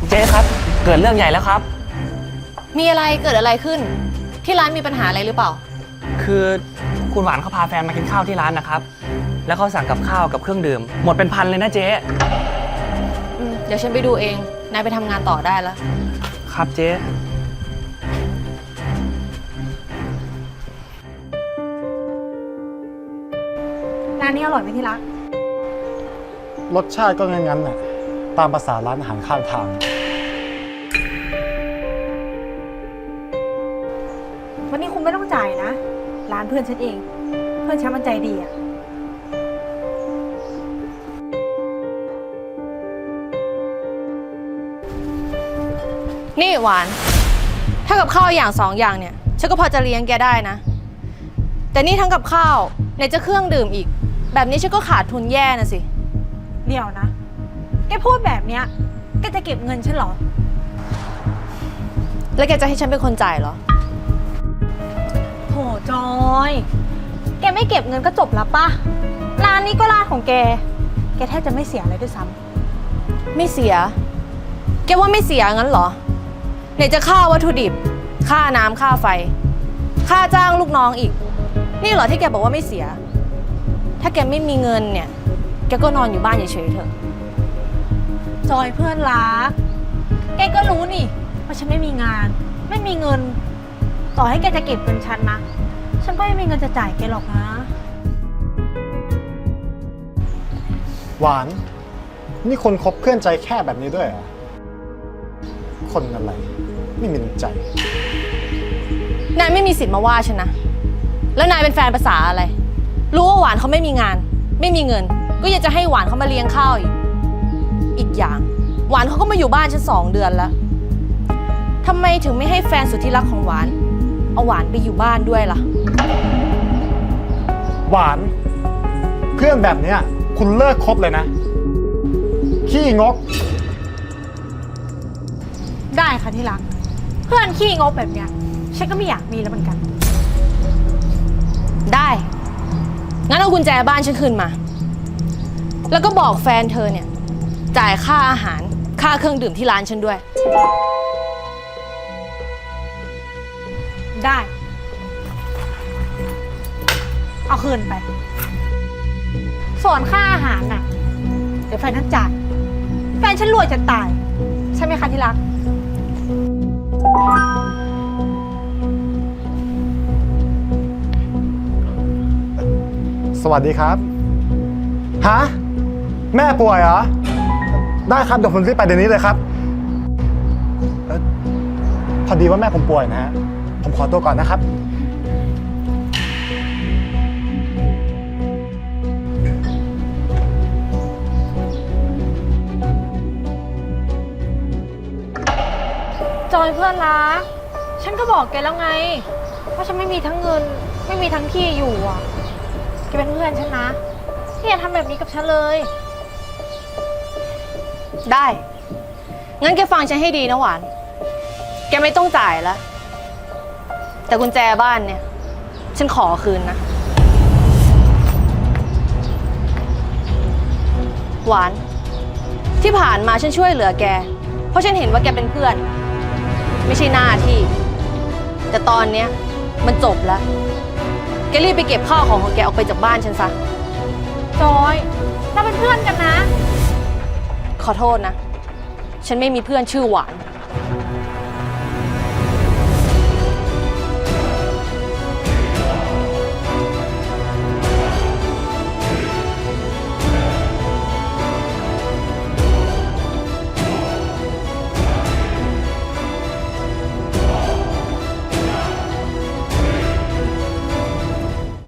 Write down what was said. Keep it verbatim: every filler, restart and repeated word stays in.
เจ๊ครับเกิดเรื่องใหญ่แล้วครับมีอะไรเกิดอะไรขึ้นที่ร้านมีปัญหาอะไรหรือเปล่าคือคุณหวานเขาพาแฟนมากินข้าวที่ร้านนะครับแล้วเขาสั่งกับข้าวกับเครื่องดื่มหมดเป็นพันเลยนะเจ๊เดี๋ยวฉันไปดูเองนายไปทำงานต่อได้แล้วครับเจ๊ร้านนี้อร่อยไหมที่รักรสชาติก็งั้นๆน่ะตามภาษาร้านอาหารข้างทางวันนี้คุณไม่ต้องจ่ายนะร้านเพื่อนฉันเองเพื่อนฉันมันใจดีอะนี่หวานถ้ากับข้าวอย่างสองอย่างเนี่ยฉันก็พอจะเลี้ยงแกได้นะแต่นี่ทั้งกับข้าวไหนจะเครื่องดื่มอีกแบบนี้ฉันก็ขาดทุนแย่นะสิเดี๋ยวนะแกพูดแบบเนี้ยแกจะเก็บเงินฉันเหรอแล้วแกจะให้ฉันเป็นคนจ่ายเหรอโถจอยแกไม่เก็บเงินก็จบแล้วป่ะร้านนี้ก็ร้านของแกแกแทบจะไม่เสียอะไรด้วยซ้ำไม่เสียแกว่าไม่เสียงั้นเหรอไหนจะค่าวัตถุดิบค่าน้ำค่าไฟค่าจ้างลูกน้องอีกนี่เหรอที่แกบอกว่าไม่เสียถ้าแกไม่มีเงินเนี่ยแกก็นอนอยู่บ้านเฉยๆเถอะจอยเพื่อนรักแกก็รู้นี่ว่าฉันไม่มีงานไม่มีเงินต่อให้แกจะเก็บเงินฉันนะฉันก็ไม่มีเงินจะจ่ายแกหรอกนะหวานนี่คนคบเพื่อนใจแค่แบบนี้ด้วยเหรอคนอะไรไม่มีน้ำใจนายไม่มีสิทธิ์มาว่าฉันนะแล้วนายเป็นแฟนภาษาอะไรรู้ว่าหวานเขาไม่มีงานไม่มีเงินก็ยังจะให้หวานเขามาเลี้ยงข้าวอีกอีกอย่างหวานเขาก็มาอยู่บ้านฉันสองเดือนแล้วทำไมถึงไม่ให้แฟนสุดที่รักของหวานเอาหวานไปอยู่บ้านด้วยล่ะหวานเพื่อนแบบนี้คุณเลิกคบเลยนะขี้งกได้ค่ะที่รักเพื่อนขี้งกแบบเนี้ยฉันก็ไม่อยากมีแล้วเหมือนกันได้งั้นเอากุญแจบ้านฉันคืนมาแล้วก็บอกแฟนเธอเนี่ยจ่ายค่าอาหารค่าเครื่องดื่มที่ร้านฉันด้วยได้เอาคืนไปส่วนค่าอาหารน่ะเดี๋ยวแฟนท่านจ่ายแฟนฉันรวยจะตายใช่ไหมคะที่รักสวัสดีครับฮะแม่ป่วยเหรอได้ครับเดี๋ยวผมรีบไปเดี๋ยวนี้เลยครับพอดีว่าแม่ผมป่วยนะฮะผมขอตัวก่อนนะครับจอยเพื่อนรักฉันก็บอกแกแล้วไงว่าฉันไม่มีทั้งเงินไม่มีทั้งที่อยู่อ่ะแกเป็นเพื่อนฉันนะอย่าทำแบบนี้กับฉันเลยได้งั้นแกฟังฉันให้ดีนะหวานแกไม่ต้องจ่ายแล้วแต่กุญแจบ้านเนี่ยฉันขอคืนนะหวานที่ผ่านมาฉันช่วยเหลือแกเพราะฉันเห็นว่าแกเป็นเพื่อนไม่ใช่หน้าที่แต่ตอนเนี้ยมันจบแล้วแกรีบไปเก็บข้าวของของแกออกไปจากบ้านฉันซะจอยเราเป็นเพื่อนกันนะขอโทษนะฉันไม่มีเพื่อนชื่อหวาน